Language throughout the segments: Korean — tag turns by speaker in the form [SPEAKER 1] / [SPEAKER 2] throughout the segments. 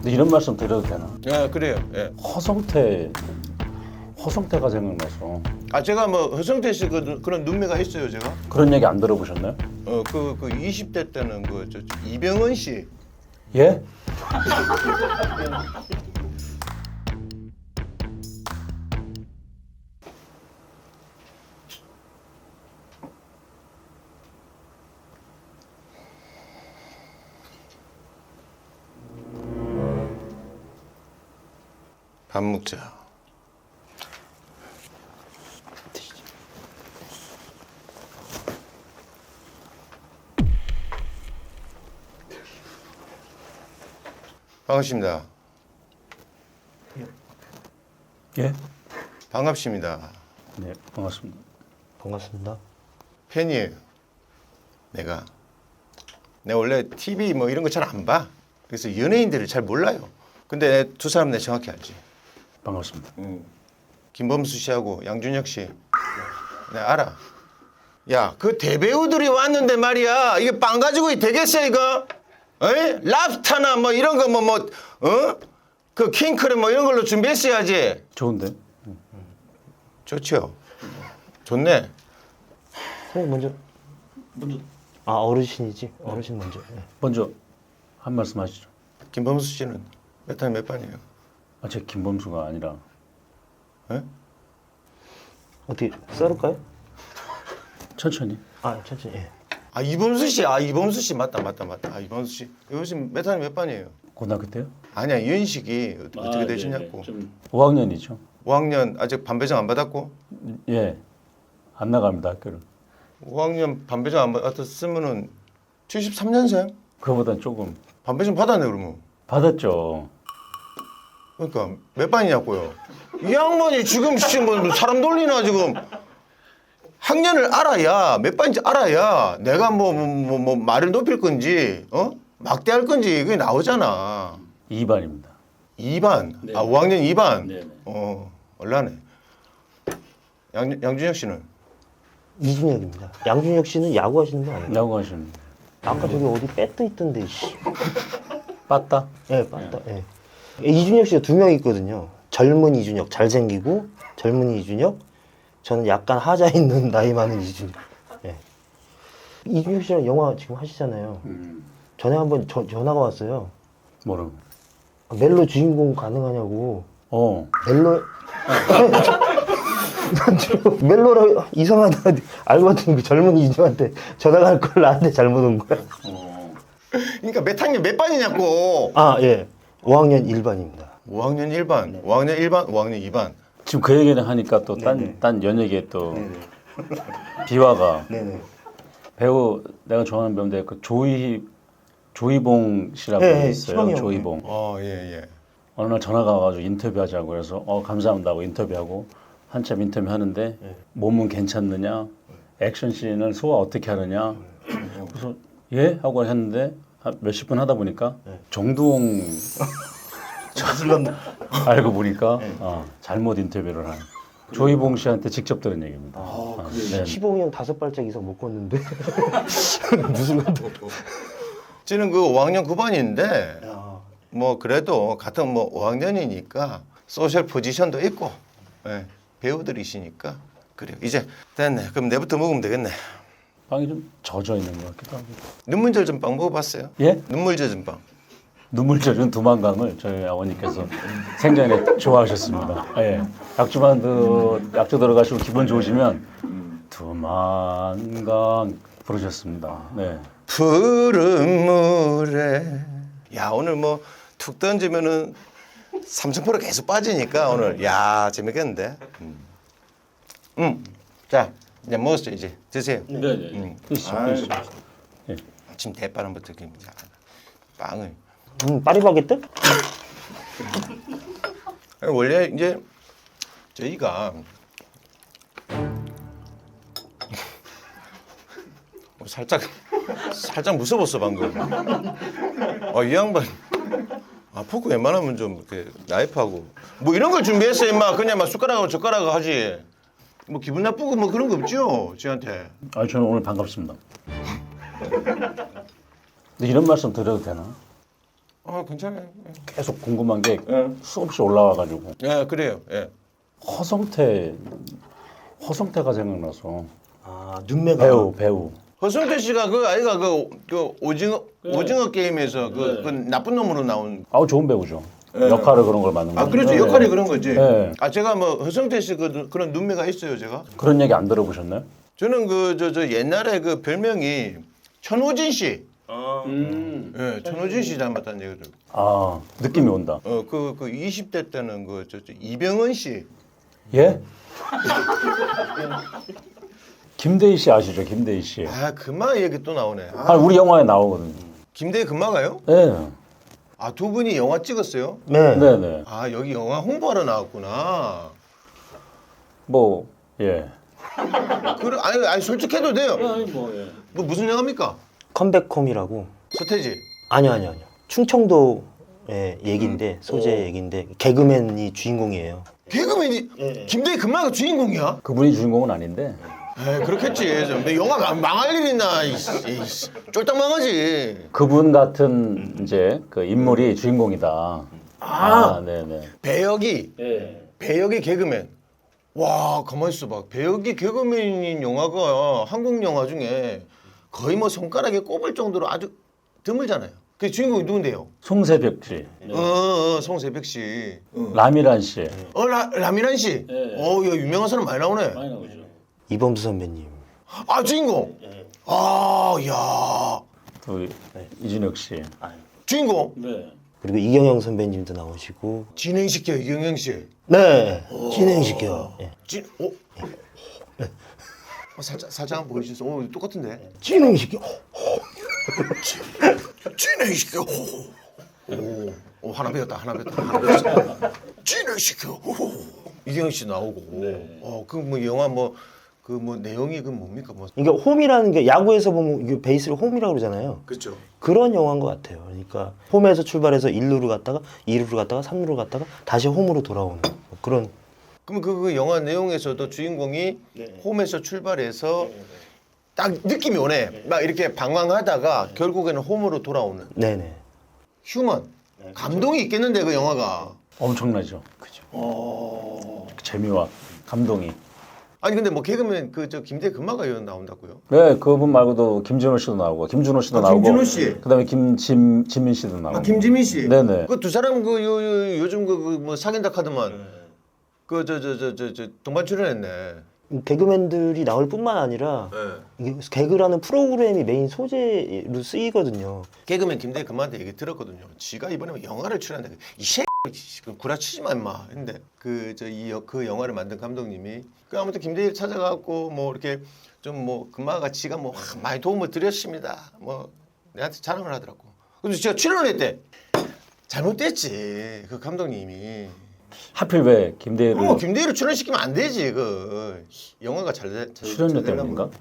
[SPEAKER 1] 이런 말씀 드려도 되나?
[SPEAKER 2] 예, 그래요. 예.
[SPEAKER 1] 허성태가 생각나서.
[SPEAKER 2] 아 제가 뭐 허성태 씨 그런 눈매가 있어요, 제가.
[SPEAKER 1] 그런 얘기 안 들어보셨나요?
[SPEAKER 2] 그 20대 때는 저 이병헌 씨.
[SPEAKER 1] 예?
[SPEAKER 2] 밥 먹자. 반갑습니다.
[SPEAKER 1] 예?
[SPEAKER 2] 반갑습니다.
[SPEAKER 1] 네, 반갑습니다.
[SPEAKER 3] 반갑습니다.
[SPEAKER 2] 팬이에요. 내가 원래 TV 뭐 이런 거 잘 안 봐. 그래서 연예인들을 잘 몰라요. 근데 두 사람 내 정확히 알지.
[SPEAKER 1] 반갑습니다.
[SPEAKER 2] 김범수 씨하고 양준혁 씨. 내가 알아. 야, 그 대배우들이 왔는데 말이야. 이게 빵 가지고 되겠어 이거? 에이? 랍스타나 뭐 이런 거 그 킹크랩 뭐 이런 걸로 준비했어야지.
[SPEAKER 1] 좋은데?
[SPEAKER 2] 좋죠. 좋네.
[SPEAKER 3] 선생님 먼저. 아 어르신이지. 어르신 먼저. 네.
[SPEAKER 1] 먼저 한 말씀 하시죠.
[SPEAKER 2] 김범수 씨는 몇 학년 몇 반이에요?
[SPEAKER 1] 아, 제 김범수가 아니라.
[SPEAKER 2] 에?
[SPEAKER 3] 어떻게 썰을까요?
[SPEAKER 1] 천천히.
[SPEAKER 3] 아 천천히. 예.
[SPEAKER 2] 아 이범수 씨, 이범수 씨 맞다. 아 이범수 씨 몇 학년 몇 반이에요?
[SPEAKER 1] 고등학교 때요?
[SPEAKER 2] 아니야 이현식이 어떻게 되시냐고.
[SPEAKER 1] 5학년이죠.
[SPEAKER 2] 5학년 아직 반배정 안 받았고
[SPEAKER 1] 예. 안 나갑니다, 학교를.
[SPEAKER 2] 5학년 반배정 안 받았으면은 73년생?
[SPEAKER 1] 그거보단 조금
[SPEAKER 2] 반배정 받았네 그러면.
[SPEAKER 1] 받았죠.
[SPEAKER 2] 그러니까 몇 반이냐고요. 이 양반이 지금 뭐 사람 돌리나 지금. 학년을 알아야 몇 반인지 알아야 내가 뭐 말을 높일 건지 막대할 건지 그게 나오잖아.
[SPEAKER 1] 2반입니다.
[SPEAKER 2] 2반.
[SPEAKER 1] 네.
[SPEAKER 2] 5학년 2반.
[SPEAKER 1] 네네.
[SPEAKER 2] 얼라네. 양준혁 씨는
[SPEAKER 3] 이준혁입니다. 양준혁 씨는 야구 하시는 거 아니에요?
[SPEAKER 1] 야구 하시는.
[SPEAKER 3] 아까 저기 어디 배트 있던데. 씨.
[SPEAKER 1] 빠따?
[SPEAKER 3] 예, 맞다. 예. 이준혁 씨가 두 명 있거든요. 젊은 이준혁, 잘생기고 젊은 이준혁. 저는 약간 하자 있는 나이 많은 이준혁. 예. 이준혁 씨랑 영화 지금 하시잖아요. 전에 한번 전화가 왔어요.
[SPEAKER 1] 뭐라고?
[SPEAKER 3] 멜로 주인공 가능하냐고. 멜로 멜로로 이상하다 알고 봤더니 그 젊은 이준혁한테 전화가 할 걸 나한테 잘못 온 거야.
[SPEAKER 2] 그러니까 몇 학년 몇 반이냐고.
[SPEAKER 3] 아 예. 5학년 1반입니다.
[SPEAKER 2] 5학년 1반, 5학년 1반, 5학년 2반.
[SPEAKER 1] 지금 그 얘기를 하니까 또
[SPEAKER 3] 네네.
[SPEAKER 1] 딴 연예계에 또 비화가
[SPEAKER 3] 네네.
[SPEAKER 1] 배우 내가 좋아하는 배우인데 그 조이봉 씨라고
[SPEAKER 3] 네,
[SPEAKER 1] 있어요.
[SPEAKER 3] 시방이 형.
[SPEAKER 1] 조이봉.
[SPEAKER 2] 예.
[SPEAKER 1] 어느 날 전화가 와가지고 인터뷰하자고 해서 감사합니다 하고 인터뷰하고 한참 인터뷰 하는데 몸은 괜찮느냐, 액션 씬을 소화 어떻게 하느냐. 그래서 예 하고 했는데 한 몇십 분 하다 보니까 정두홍 알고 보니까 잘못 인터뷰를 한 조이봉 씨한테 직접 들은 얘기입니다. 네.
[SPEAKER 3] 시봉이 형 5발짝 이상 못 걷는데 무슨 건데?
[SPEAKER 2] 저는 그 5학년 9반인데 뭐 그래도 같은 뭐 5학년이니까 소셜 포지션도 있고 배우들이시니까 그래요. 이제 됐네. 그럼 내부터 먹으면 되겠네.
[SPEAKER 1] 빵이 좀 젖어 있는 것 같기도 하고.
[SPEAKER 2] 눈물 젖은 빵 먹어봤어요?
[SPEAKER 1] 예?
[SPEAKER 2] 눈물 젖은 빵.
[SPEAKER 1] 눈물 젖은 두만강을 저희 아버님께서 생전에 좋아하셨습니다. 예. 약주 들어가시고 기분 좋으시면 두만강 부르셨습니다. 네.
[SPEAKER 2] 푸른 물에. 야 오늘 뭐 툭 던지면은 삼천포로 계속 빠지니까 오늘 야 재밌겠는데. 자 이제 먹었어요 이제 드세요.
[SPEAKER 1] 네. 드시죠. 예.
[SPEAKER 2] 지금 대파랑부터 깁니다. 빵을.
[SPEAKER 3] 파리바게뜨?
[SPEAKER 2] 원래 이제 저희가 살짝 무서웠어 방금. 이 양반. 포크 웬만하면 좀 이렇게 나이프하고 뭐 이런 걸 준비했어 임마. 그냥 막 숟가락하고 젓가락하고 하지. 뭐 기분 나쁘고 뭐 그런 거 없죠 지한테.
[SPEAKER 1] 저는 오늘 반갑습니다. 근데 이런 말씀 드려도 되나?
[SPEAKER 2] 괜찮아요.
[SPEAKER 1] 계속 궁금한 게
[SPEAKER 2] 예.
[SPEAKER 1] 수없이 올라와가지고
[SPEAKER 2] 예, 그래요. 예.
[SPEAKER 1] 허성태가 생각나서
[SPEAKER 3] 아 눈매가
[SPEAKER 1] 배우.
[SPEAKER 2] 허성태 씨가 그 아이가 그 오징어 게임에서 그 나쁜 놈으로 나온.
[SPEAKER 1] 아우 좋은 배우죠. 역할을 그런 걸 맡는 거죠.
[SPEAKER 2] 그렇죠.
[SPEAKER 1] 네.
[SPEAKER 2] 역할이 그런 거지.
[SPEAKER 1] 네.
[SPEAKER 2] 제가 뭐 허성태 씨 그런 눈매가 있어요, 제가.
[SPEAKER 1] 그런 얘기 안 들어보셨나요?
[SPEAKER 2] 저는 저 옛날에 그 별명이 천호진 씨. 예, 천호진 씨 닮았다는 얘기를.
[SPEAKER 1] 아 느낌이 온다.
[SPEAKER 2] 그 20대 때는 저 이병헌 씨.
[SPEAKER 1] 예? 김대희 씨 아시죠? 김대희 씨.
[SPEAKER 2] 금마 얘기 또 나오네.
[SPEAKER 1] 우리 영화에 나오거든요.
[SPEAKER 2] 김대희 금마가요?
[SPEAKER 1] 네.
[SPEAKER 2] 두 분이 영화 찍었어요?
[SPEAKER 3] 네.
[SPEAKER 1] 네네.
[SPEAKER 2] 여기 영화 홍보하러 나왔구나.
[SPEAKER 1] 뭐 예.
[SPEAKER 2] 그래, 아니 솔직해도 돼요.
[SPEAKER 1] 뭐 예.
[SPEAKER 2] 뭐 무슨 영화입니까?
[SPEAKER 3] 컴백홈이라고.
[SPEAKER 2] 서태지.
[SPEAKER 3] 아니요. 충청도의 얘기인데 소재 얘기인데 개그맨이 주인공이에요.
[SPEAKER 2] 개그맨이 김대희 금마가 주인공이야?
[SPEAKER 1] 그분이 주인공은 아닌데
[SPEAKER 2] 그렇겠지. 근데 영화가 망할 일 있나? 쫄딱 망하지.
[SPEAKER 1] 그분 같은 이제 그 인물이 주인공이다. 네네.
[SPEAKER 2] 배역이 개그맨. 와, 가만 있어봐. 배역이 개그맨인 영화가 한국 영화 중에 거의 뭐 손가락에 꼽을 정도로 아주 드물잖아요. 그 주인공이 누군데요?
[SPEAKER 1] 송세벽 씨,
[SPEAKER 2] 송세벽 씨.
[SPEAKER 1] 라미란 씨.
[SPEAKER 2] 라미란 씨. 야, 유명한 사람 많이 나오네.
[SPEAKER 1] 많이 나오죠.
[SPEAKER 3] 이범수 선배님.
[SPEAKER 2] 주인공. 야.
[SPEAKER 1] 또 이준혁 씨.
[SPEAKER 2] 주인공.
[SPEAKER 1] 네.
[SPEAKER 3] 그리고 이경영 선배님도 나오시고.
[SPEAKER 2] 진행시켜 이경영 씨.
[SPEAKER 3] 네. 진행시켜. 예.
[SPEAKER 2] 살짝 한번 보여주세요. 똑같은데.
[SPEAKER 3] 진행시켜.
[SPEAKER 2] 진행시켜. 하나 배웠다. 진행시켜. 이경영 씨 나오고. 그 뭐 영화 그 내용이 그 뭡니까 뭐.
[SPEAKER 3] 그러니까 홈이라는 게 야구에서 보면 이게 베이스를 홈이라고 그러잖아요.
[SPEAKER 2] 그렇죠.
[SPEAKER 3] 그런 영화인 것 같아요. 그러니까 홈에서 출발해서 1루로 갔다가 2루로 갔다가 3루로 갔다가 다시 홈으로 돌아오는 뭐 그런.
[SPEAKER 2] 그럼 그 영화 내용에서도 주인공이 홈에서 출발해서 딱 느낌이 오네. 막 이렇게 방황하다가 결국에는 홈으로 돌아오는.
[SPEAKER 3] 네네.
[SPEAKER 2] 휴먼. 감동이 있겠는데 그 영화가.
[SPEAKER 1] 엄청나죠. 그죠. 재미와 감동이.
[SPEAKER 2] 아니 근데 뭐 개그맨 저 김대희 금마가 나온다고요?
[SPEAKER 1] 네, 그분 말고도 김준호 씨도 나오고 김준호 씨도 나오고.
[SPEAKER 2] 김준호 씨.
[SPEAKER 1] 그다음에 지민 씨도 나오고.
[SPEAKER 2] 김지민 씨.
[SPEAKER 1] 네네.
[SPEAKER 2] 그 두 사람 요즘 뭐 사귄다 카드만 동반 출연했네.
[SPEAKER 3] 개그맨들이 나올 뿐만 아니라 이게 개그라는 프로그램이 메인 소재로 쓰이거든요.
[SPEAKER 2] 개그맨 김대희 금마한테 얘기 들었거든요. 지가 이번에 영화를 출연한다. 이 새끼 구라치지 마 임마. 근데 그 영화를 만든 감독님이 아무튼 김대희를 찾아가고 뭐 이렇게 좀 뭐 금마가 지가 뭐 많이 도움을 드렸습니다. 뭐 내한테 자랑을 하더라고. 근데 제가 출연했대. 잘못됐지 그 감독님이.
[SPEAKER 1] 하필 왜 김대희를
[SPEAKER 2] 김대희를 출연시키면 안 되지. 영화가 잘
[SPEAKER 1] 출연료 때문인가?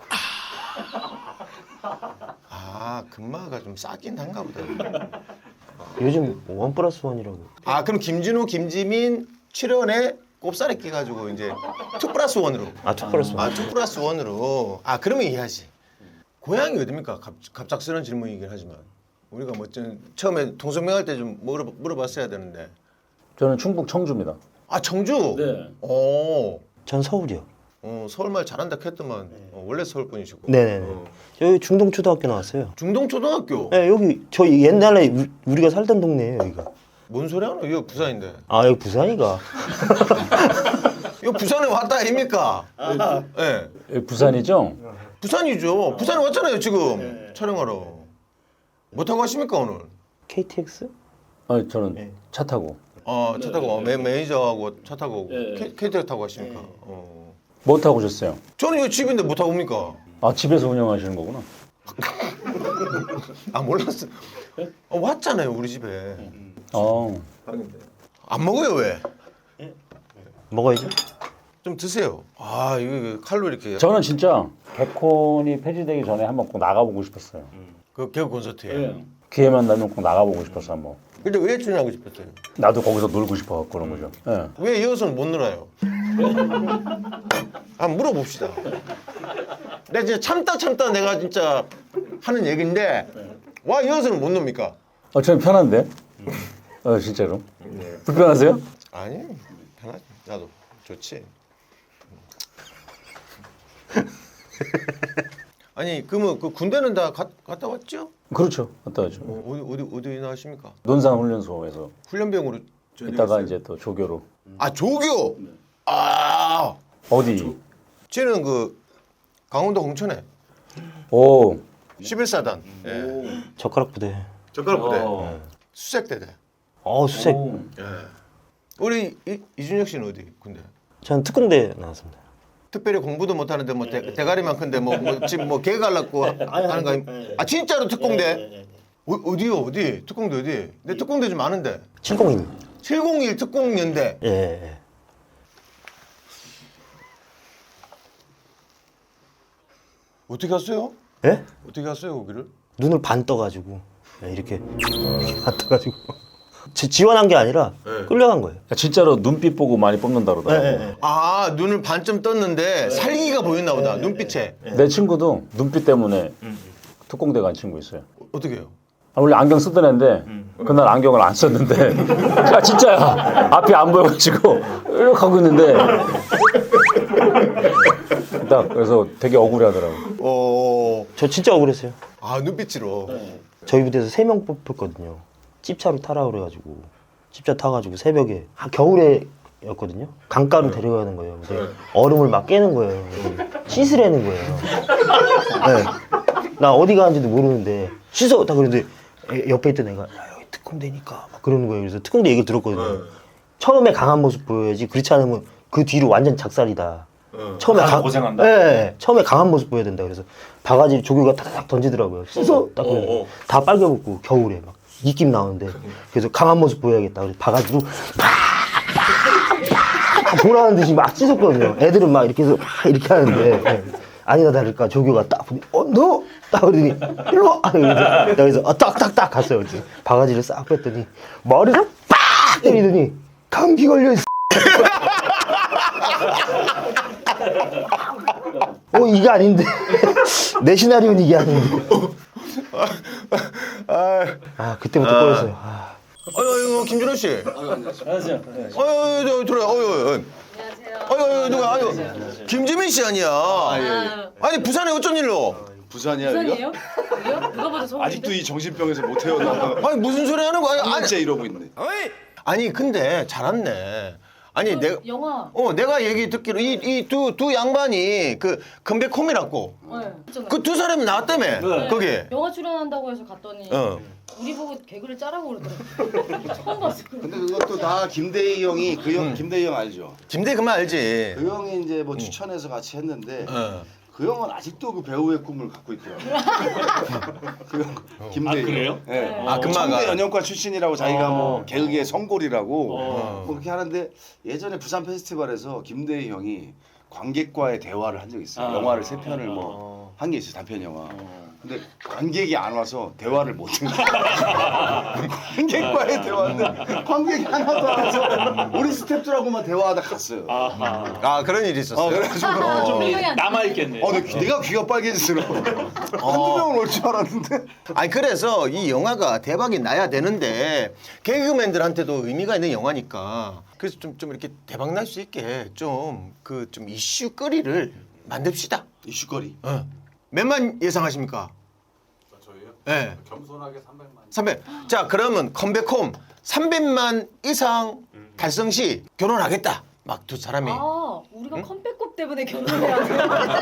[SPEAKER 2] 금마가 좀 싸긴 한가 보다.
[SPEAKER 3] 요즘 1+1이라고.
[SPEAKER 2] 그럼 김준호, 김지민 출연에 꼽살에 끼가지고 이제 2+1으로.
[SPEAKER 3] 2+1.
[SPEAKER 2] 2+1으로. 그러면 이해하지. 고향이 어딥니까? 갑작스러운 질문이긴 하지만 우리가 뭐 처음에 동성명할 때 좀 물어봤어야 되는데.
[SPEAKER 1] 저는 충북 청주입니다.
[SPEAKER 2] 청주.
[SPEAKER 1] 네.
[SPEAKER 3] 전 서울이요.
[SPEAKER 2] 서울말 잘한다 했더만 원래 서울 분이시고.
[SPEAKER 3] 네네네. 여기 중동초등학교 나왔어요.
[SPEAKER 2] 중동초등학교.
[SPEAKER 3] 네, 여기 저희 옛날에 우리가 살던 동네예요, 여기가.
[SPEAKER 2] 뭔 소리 하노? 이거 부산인데.
[SPEAKER 3] 여기 부산이가.
[SPEAKER 2] 이거 부산에 왔다 아닙니까? 네.
[SPEAKER 1] 여기 부산이죠?
[SPEAKER 2] 부산이죠. 부산에 왔잖아요 지금 촬영하러. 뭐 타고 가십니까 오늘?
[SPEAKER 3] KTX?
[SPEAKER 1] 저는 차 타고.
[SPEAKER 2] 차 타고 매니저하고 차 타고 오고. KTX 타고 가십니까?
[SPEAKER 1] 뭐 타고 오셨어요?
[SPEAKER 2] 저는 이거 집인데 뭐 타고 옵니까?
[SPEAKER 1] 집에서 운영하시는 거구나.
[SPEAKER 2] 몰랐어. 왔잖아요 우리 집에. 안 먹어요 왜?
[SPEAKER 3] 먹어야죠.
[SPEAKER 2] 좀 드세요. 이거 칼로리 이렇게.
[SPEAKER 1] 저는 진짜 개콘이 폐지되기 전에 한번 꼭 나가보고 싶었어요.
[SPEAKER 2] 그 개그 콘서트에.
[SPEAKER 1] 기회만 나면 꼭 나가보고 싶었어 한번.
[SPEAKER 2] 근데 왜 출연하고 싶었어요?
[SPEAKER 1] 나도 거기서 놀고 싶어갖고 그런 거죠. 예.
[SPEAKER 2] 왜 이어서는 못 놀아요? 한번 물어봅시다. 내가 진짜 참다 내가 진짜 하는 얘기인데 와 이어서는 못 놉니까?
[SPEAKER 1] 저는 편한데. 진짜로. 불편하세요?
[SPEAKER 2] 아니 편하지. 나도 좋지. 아니 그러면 그 군대는 다 갔다 왔죠?
[SPEAKER 1] 그렇죠. 갔다 와죠.
[SPEAKER 2] 어디 나가십니까?
[SPEAKER 1] 논산훈련소에서
[SPEAKER 2] 훈련병으로
[SPEAKER 1] 이따가 이제 또 조교로.
[SPEAKER 2] 아 조교. 아
[SPEAKER 1] 어디?
[SPEAKER 2] 쟤는 그 강원도 홍천에
[SPEAKER 1] 오.
[SPEAKER 2] 11사단. 예.
[SPEAKER 3] 젓가락 부대.
[SPEAKER 2] 젓가락 부대. 수색대대.
[SPEAKER 3] 수색.
[SPEAKER 2] 예. 우리 이준혁 씨는 어디 군대?
[SPEAKER 3] 저는 특공대 나왔습니다.
[SPEAKER 2] 특별히 공부도 못하는데 뭐 대가리만 큰데 뭐 지금 뭐 개 갈랐고 하는 거 아니? 아 진짜로 특공대? 어디요 어디? 특공대 어디? 내 특공대 좀 아는데.
[SPEAKER 3] 701.
[SPEAKER 2] 701 특공연대.
[SPEAKER 3] 예.
[SPEAKER 2] 어떻게 갔어요?
[SPEAKER 3] 예?
[SPEAKER 2] 어떻게 갔어요 거기를?
[SPEAKER 3] 눈을 반 떠가지고 이렇게 반 떠가지고 지원한 게 아니라 끌려간 거예요.
[SPEAKER 1] 진짜로 눈빛 보고 많이 뽑는다 그러더라고.
[SPEAKER 2] 아 눈을 반쯤 떴는데 살기가 보였나 보다 눈빛에.
[SPEAKER 1] 내 친구도 눈빛 때문에 특공대 간 친구 있어요.
[SPEAKER 2] 어떻게 해요?
[SPEAKER 1] 원래 안경 쓰던 애인데 그날 안경을 안 썼는데 야 진짜야 앞이 안 보여가지고 이렇게 하고 있는데 딱 그래서 되게 억울해하더라고.
[SPEAKER 3] 저 진짜 억울했어요.
[SPEAKER 2] 아 눈빛으로.
[SPEAKER 3] 저희 부대에서 3명 뽑혔거든요. 찝차로 타라 그래가지고 찝차 타가지고 새벽에 겨울에였거든요. 강가로 데려가는 거예요. 근데 얼음을 막 깨는 거예요. 씻으라는 거예요. 네. 나 어디 가는지도 모르는데 씻어 딱 그러는데 옆에 있던 애가 야, 여기 특공대니까 막 그러는 거예요. 그래서 특공대 얘기를 들었거든요. 처음에 강한 모습 보여야지 그렇지 않으면 그 뒤로 완전 작살이다. 처음에
[SPEAKER 1] 고생한다.
[SPEAKER 3] 네, 처음에 강한 모습 보여야 된다. 그래서 바가지 조교가 탁탁 던지더라고요. 씻어 딱 그러고 다 빨개먹고 겨울에 막 입김 나오는데 그래서 강한 모습 보여야겠다. 그래서 바가지로 팍 보라는 듯이 막 씻었거든요. 애들은 막 이렇게 해서 막 이렇게 하는데 아니나 다를까 조교가 딱 보니 너? 딱 그러더니 일로 와! 그래서 딱딱딱 갔어요. 그래서 바가지를 싹 뺐더니 머리를 빡 때리더니 감기 걸려 있어. 이게 아닌데 내 시나리오는 이게 아닌데. 그때부터 꼬였어요.
[SPEAKER 2] 아유 김준호 씨.
[SPEAKER 1] 안녕하세요.
[SPEAKER 2] 아유 들어요. 아유. 아유 누가 아유 김지민 씨 아니야. 아니 부산에 어쩐 일로?
[SPEAKER 4] 부산이야
[SPEAKER 5] 부산이에요? 여기요? 누가 봐도 서울인데?
[SPEAKER 4] 아직도 이 정신병에서 못 태어나.
[SPEAKER 2] 아니 무슨 소리 하는 거야? 아니,
[SPEAKER 4] 1년째 이러고 있네.
[SPEAKER 2] 아니 근데 잘 왔네. 아니 내가
[SPEAKER 5] 영화.
[SPEAKER 2] 내가 얘기 듣기로 이 두 양반이 그 금백홈이라고
[SPEAKER 5] 네.
[SPEAKER 2] 그 두 사람이 나왔다며 거기.
[SPEAKER 5] 영화 출연한다고 해서 갔더니 우리 보고 개그를 짜라고 그러더라고요. 처음 봤어.
[SPEAKER 4] 근데 그것도 다 김대희 형이 그 형 김대희 형 알죠?
[SPEAKER 2] 김대 그만 알지.
[SPEAKER 4] 그 형이 이제 뭐 추천해서 같이 했는데 그 형은 아직도 그 배우의 꿈을 갖고 있더라고요. 그 형, 김대희.
[SPEAKER 1] 그래요?
[SPEAKER 4] 네.
[SPEAKER 2] 아, 금마가.
[SPEAKER 4] 청대 연영과 출신이라고 자기가 뭐 개그의 성골이라고 뭐 그렇게 하는데 예전에 부산 페스티벌에서 김대희 형이 관객과의 대화를 한 적이 있어요. 영화를 3편을 뭐 한 게 있어요. 단편 영화. 근데 관객이 안 와서 대화를 못 한 거야. 관객과의 대화는 관객이 하나도 안 와서 우리 스태프들하고만 대화하다 갔어요.
[SPEAKER 2] 아 그런 일이 있었어.
[SPEAKER 4] 그래가지고
[SPEAKER 5] 좀
[SPEAKER 1] 남아있겠네.
[SPEAKER 4] 내가 귀가 빨개지더라고. 한두 명은 올 줄 알았는데.
[SPEAKER 2] 아니 그래서 이 영화가 대박이 나야 되는데 개그맨들한테도 의미가 있는 영화니까 그래서 좀 이렇게 대박 날 수 있게 좀 이슈거리를 만듭시다.
[SPEAKER 4] 이슈거리.
[SPEAKER 2] 몇만 예상하십니까?
[SPEAKER 6] 저희요?
[SPEAKER 2] 네.
[SPEAKER 6] 겸손하게 300만.
[SPEAKER 2] 300. 자 그러면 컴백홈 300만 이상 달성 시 결혼하겠다. 막 두 사람이.
[SPEAKER 5] 아, 우리가 컴백곡 때문에 결혼해야 돼.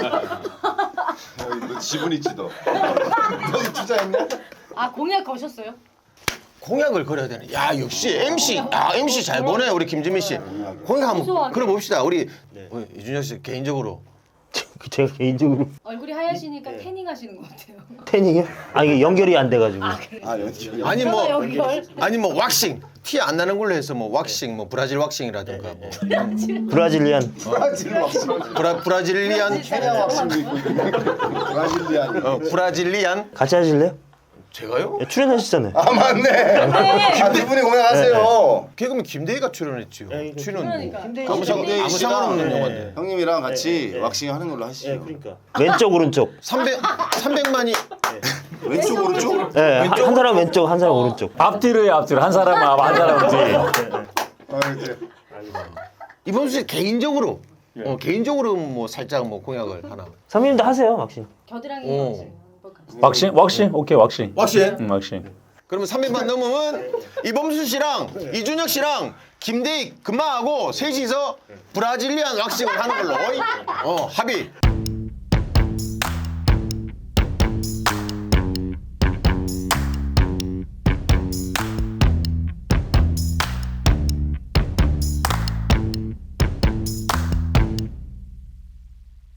[SPEAKER 4] 너 지분 있지 너. 너 투자했냐?
[SPEAKER 5] 아, 공약 거셨어요?
[SPEAKER 2] 공약을 걸어야 되네. 야 역시 MC. MC 잘 보네 우리 김지민 씨. 공약 한번
[SPEAKER 5] 소소하게.
[SPEAKER 2] 걸어 봅시다. 우리 이준혁 씨 개인적으로.
[SPEAKER 3] 제가 개인적으로
[SPEAKER 5] 얼굴이 하얘시니까 태닝 하시는 것 같아요.
[SPEAKER 3] 태닝이요? 이게 연결이 안 돼가지고.
[SPEAKER 4] 연기.
[SPEAKER 2] 아니 뭐
[SPEAKER 5] 연결.
[SPEAKER 2] 아니 뭐 왁싱 티 안 나는 걸로 해서 뭐 왁싱 뭐 브라질 왁싱이라든가 뭐
[SPEAKER 3] 브라질리안.
[SPEAKER 4] 브라질 왁싱.
[SPEAKER 2] 브라질리안
[SPEAKER 4] 케냐 왁싱도 있고. 브라질리안.
[SPEAKER 2] 브라질리안
[SPEAKER 3] 같이 하실래요?
[SPEAKER 2] 제가요?
[SPEAKER 3] 출연하셨잖아요.
[SPEAKER 4] 아 맞네. 두 분이 공약하세요.
[SPEAKER 2] 개그맨 김대희가 출연했지요. 출연
[SPEAKER 5] 그러니까.
[SPEAKER 2] 아무
[SPEAKER 4] 김대희 씨랑
[SPEAKER 2] 상관없는 영화인데.
[SPEAKER 4] 형님이랑 같이 왁싱 하는 걸로 하시죠.
[SPEAKER 3] 왼쪽 오른쪽.
[SPEAKER 2] 300만이
[SPEAKER 4] 왼쪽 오른쪽?
[SPEAKER 3] 네, 한 사람 왼쪽, 한 사람 오른쪽.
[SPEAKER 1] 앞뒤로요, 앞뒤로. 한 사람은 앞, 한 사람은 뒤.
[SPEAKER 2] 이범수 씨 개인적으로 개인적으로 뭐 살짝 뭐 공약을 하나.
[SPEAKER 3] 선배님도 하세요, 왁싱.
[SPEAKER 5] 겨드랑이
[SPEAKER 2] 오.
[SPEAKER 5] 왁싱 한번 같이.
[SPEAKER 1] 왁싱? 왁싱? 오케이, 왁싱.
[SPEAKER 4] 왁싱?
[SPEAKER 1] 왁싱.
[SPEAKER 2] 그러면 300만 넘으면 이범수 씨랑 이준혁 씨랑 김대익 금마하고 셋이서 브라질리안 왁싱을 하는 걸로 합의.